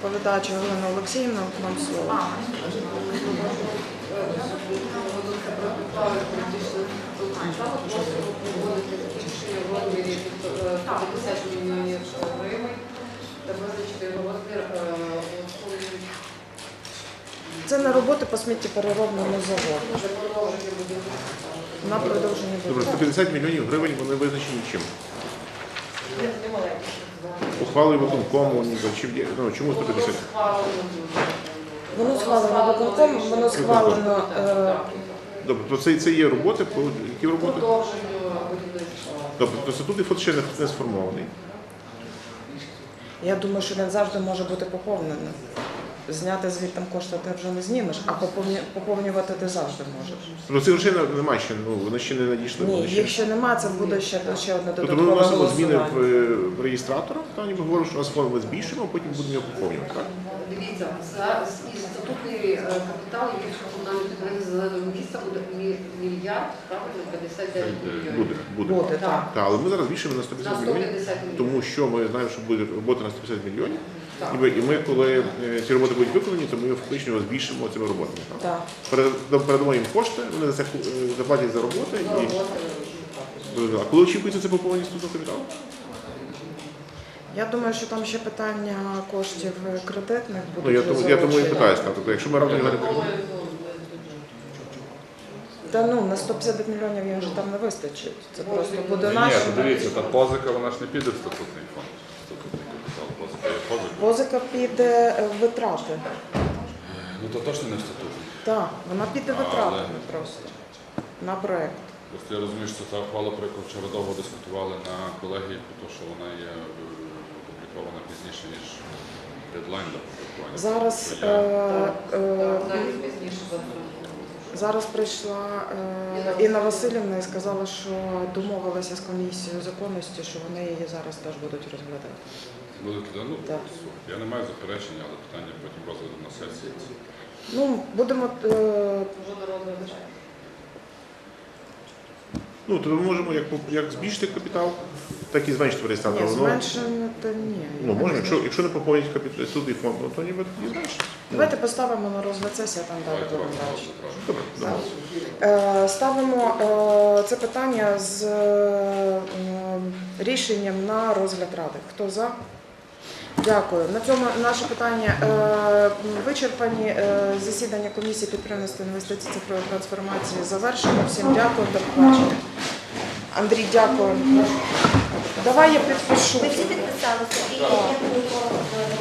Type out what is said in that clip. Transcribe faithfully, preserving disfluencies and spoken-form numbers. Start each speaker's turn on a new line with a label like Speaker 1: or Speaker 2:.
Speaker 1: доповідач Галина Олексіївна, вам слово.
Speaker 2: п'ятдесят мільйонів гривень та визначити його розмір.
Speaker 1: Це на роботи по сміттєпереробному заводу. На продовження
Speaker 3: Добре,
Speaker 1: будинку.
Speaker 3: сто п'ятдесят мільйонів гривень вони визначені чим? Ухвалою виконкому, ніби, чим є- ну, чому сто п'ятдесят?
Speaker 1: Воно схвалено виконком, воно схвалено. е,
Speaker 3: Добре, то це, це є роботи, по які роботи?
Speaker 2: Продовженню будівництва.
Speaker 3: Добре, то статут і фонд ще не, не сформований.
Speaker 1: Я думаю, що він завжди може бути поповнений. Зняти звідти кошти ти вже не знімеш, а поповні- поповнювати ти завжди можеш.
Speaker 3: Тобто цих грошей не- немає ще, ну, вони ще не надійшли.
Speaker 1: Ні,
Speaker 3: вони ще-
Speaker 1: їх ще немає, це буде ще, ще одне
Speaker 3: Тобто ми
Speaker 1: додаткове
Speaker 3: вносимо зміни в,
Speaker 1: голосування.
Speaker 3: е, в реєстратора, там ніби говоримо, що у нас фонд ми збільшуємо, а потім будемо його поповнювати, так?
Speaker 2: Дивіться, зараз і статутний е, капітал, який в комунальному підприємстві зеленого міста буде мі- мільярд, правильно, п'ятдесят дев'ять мільйонів.
Speaker 3: Буде, буде.
Speaker 1: Буде, так.
Speaker 3: Так, але ми зараз збільшуємо на сто
Speaker 2: На
Speaker 3: п'ятдесят
Speaker 2: сто
Speaker 3: мільйонів,
Speaker 2: п'ятдесят мільйонів.
Speaker 3: тому що ми знаємо, що буде робота на сто п'ятдесят мільйонів.
Speaker 2: Так.
Speaker 3: І ми, і ми, коли е, ці роботи будуть виконані, то ми фактично його збільшимо цими роботами. Так?
Speaker 1: Так.
Speaker 3: Перед- Передамо їм кошти, вони за це е, заплатять за роботи.
Speaker 2: За
Speaker 3: І...
Speaker 2: роботи.
Speaker 3: А коли очікується це поповнення статутного капіталу?
Speaker 1: Я думаю, що там ще питання коштів кредитних
Speaker 3: Ну,
Speaker 1: будуть.
Speaker 3: я, тому, я тому і
Speaker 1: залучені.
Speaker 3: питаюся. Тобто, якщо ми разом говоримо,
Speaker 1: Та ну, на сто п'ятдесят мільйонів їм вже там не вистачить. Це просто буде
Speaker 4: Ні,
Speaker 1: наше.
Speaker 4: то дивіться, та позика, вона ж не піде в статутний фонд. Статутний капітал, позика є позика.
Speaker 1: Позика піде в витрати.
Speaker 4: Ну то точно не в статутний.
Speaker 1: Так, вона піде витратами просто на проєкт.
Speaker 4: Просто я розумію, що це та ухвала, про яку вчора довго дискутували на колегії, тому що вона є е, опублікована пізніше, ніж дедлайн до опублікування.
Speaker 1: Зараз,
Speaker 4: То
Speaker 1: е,
Speaker 4: я-
Speaker 1: е,
Speaker 2: Навіть пізніше за
Speaker 1: зараз прийшла е, Інна Васильівна і сказала, що домовилася з комісією законності, що вони її зараз теж будуть розглядати.
Speaker 4: Будете, ну,
Speaker 1: Так.
Speaker 4: слухайте, я не маю заперечення, але питання потім розгляду на сесії.
Speaker 1: Ну, будемо. е,
Speaker 2: Вже народний бюджет.
Speaker 3: ну, то ми можемо як, поп- як збільшити капітал, так і зменшити в реєстраторі.
Speaker 1: Ні,
Speaker 3: Воно-
Speaker 1: зменшення то ні.
Speaker 3: Ну, можна, якщо, якщо не поповнять капітал статутний фонд, ну, то ніби тоді зменшиться.
Speaker 1: Давайте поставимо на розгляд сесії, а там далі
Speaker 4: Давайте
Speaker 1: будемо
Speaker 4: робимо
Speaker 1: бачити.
Speaker 4: розгляд, правильно.
Speaker 3: Добре, добре.
Speaker 1: Е, Ставимо е, це питання з е, м, рішенням на розгляд ради. Хто за? Дякую. На цьому наше питання е, вичерпані. Е, Засідання комісії підприємництва інвестицій цифрової трансформації завершено. Всім дякую. До побачення. Андрій, дякую. Давай я підпишу.
Speaker 5: Ви всі підписалися і я